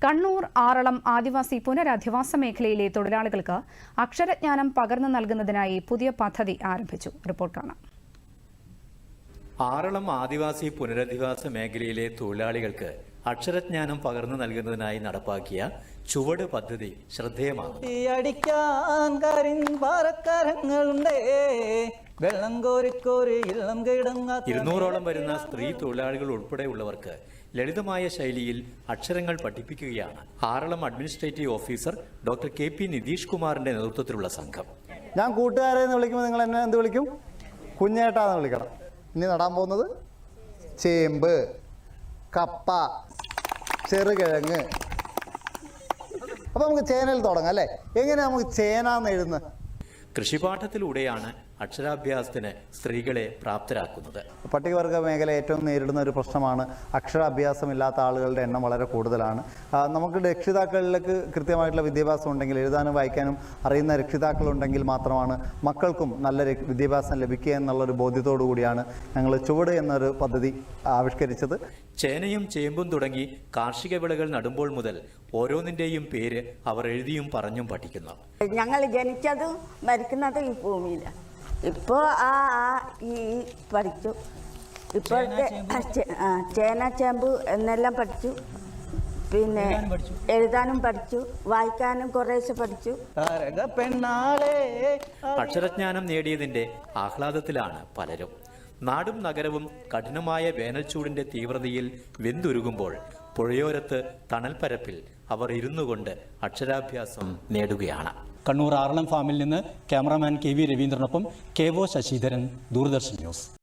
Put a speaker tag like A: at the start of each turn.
A: കണ്ണൂർ ആറളം ആദിവാസി പുനരധിവാസ മേഖലയിലെ തൊഴിലാളികൾക്ക് അക്ഷരജ്ഞാനം പകർന്നു നൽകുന്നതിനായി പുതിയ പദ്ധതി ആരംഭിച്ചു. റിപ്പോർട്ട് കാണാം.
B: ആറളം ആദിവാസി പുനരധിവാസ മേഖലയിലെ തൊഴിലാളികൾക്ക് അക്ഷരജ്ഞാനം പകർന്നു നൽകുന്നതിനായി നടപ്പാക്കിയ ചുവട് പദ്ധതി ശ്രദ്ധേയമാണ്. 200ഓളം വരുന്ന സ്ത്രീ തൊഴിലാളികൾ ഉൾപ്പെടെയുള്ളവർക്ക് ലളിതമായ ശൈലിയിൽ അക്ഷരങ്ങൾ പഠിപ്പിക്കുകയാണ് Aralam administrative officer doctor KP Nitish കുമാറിന്റെ നേതൃത്വത്തിലുള്ള സംഘം.
C: ഞാൻ കൂട്ടുകാരെ എന്ന് വിളിക്കുമ്പോൾ നിങ്ങൾ എന്നെ എന്ത് വിളിക്കും? കുഞ്ഞേട്ടാന്ന് വിളിക്കണം. ഇനി നടാൻ പോകുന്നത് ചേമ്പ്, കപ്പ, ചെറുകിഴങ്ങ്. അപ്പോൾ നമുക്ക് ചേനയിൽ തുടങ്ങാം അല്ലേ? എങ്ങനെയാണ് നമുക്ക് ചേനാന്ന് എഴുതുന്നത്?
B: കൃഷിപാഠത്തിലൂടെയാണ് അക്ഷരാഭ്യാസത്തിന് സ്ത്രീകളെ പ്രാപ്തരാക്കുന്നത്.
C: പട്ടികവർഗ മേഖല ഏറ്റവും നേരിടുന്ന ഒരു പ്രശ്നമാണ് അക്ഷരാഭ്യാസമില്ലാത്ത ആളുകളുടെ എണ്ണം വളരെ കൂടുതലാണ്. നമുക്ക് രക്ഷിതാക്കളിലേക്ക് കൃത്യമായിട്ടുള്ള വിദ്യാഭ്യാസം ഉണ്ടെങ്കിൽ, എഴുതാനും വായിക്കാനും അറിയുന്ന രക്ഷിതാക്കളുണ്ടെങ്കിൽ മാത്രമാണ് മക്കൾക്കും നല്ല വിദ്യാഭ്യാസം ലഭിക്കുക എന്നുള്ളൊരു ബോധ്യത്തോടു കൂടിയാണ് ഞങ്ങൾ ചുവട് എന്നൊരു പദ്ധതി ആവിഷ്കരിച്ചത്.
B: ചേനയും ചേമ്പും തുടങ്ങി കാർഷിക വിളകൾ നടുമ്പോൾ മുതൽ ഓരോന്നിൻ്റെയും പേര് അവർ എഴുതിയും പറഞ്ഞും പഠിക്കുന്നു.
D: ഞങ്ങൾ ജനിച്ചതും മരിക്കുന്നതും ഈ ഭൂമിയിലാണ്. ഇപ്പോൾ ഈ പഠിച്ചു. ഇപ്പോഴത്തെ ചേന ചേമ്പ് എന്നെല്ലാം പഠിച്ചു. പിന്നെ എഴുതാനും പഠിച്ചു, വായിക്കാനും കുറേശ്ശെ പഠിച്ചു.
B: അക്ഷരജ്ഞാനം നേടിയതിന്റെ ആഹ്ലാദത്തിലാണ് പലരും. നാടും നഗരവും കഠിനമായ വേനൽച്ചൂടിന്റെ തീവ്രതയിൽ വെന്തുരുകുമ്പോൾ പുഴയോരത്ത് തണൽപ്പരപ്പിൽ അവർ ഇരുന്നുകൊണ്ട് അക്ഷരാഭ്യാസം നേടുകയാണ്.
E: കണ്ണൂർ ആറളം ഫാമിൽ നിന്ന് ക്യാമറാമാൻ KV രവീന്ദ്രനൊപ്പം KO ശശിധരൻ, ദൂരദർശൻ ന്യൂസ്.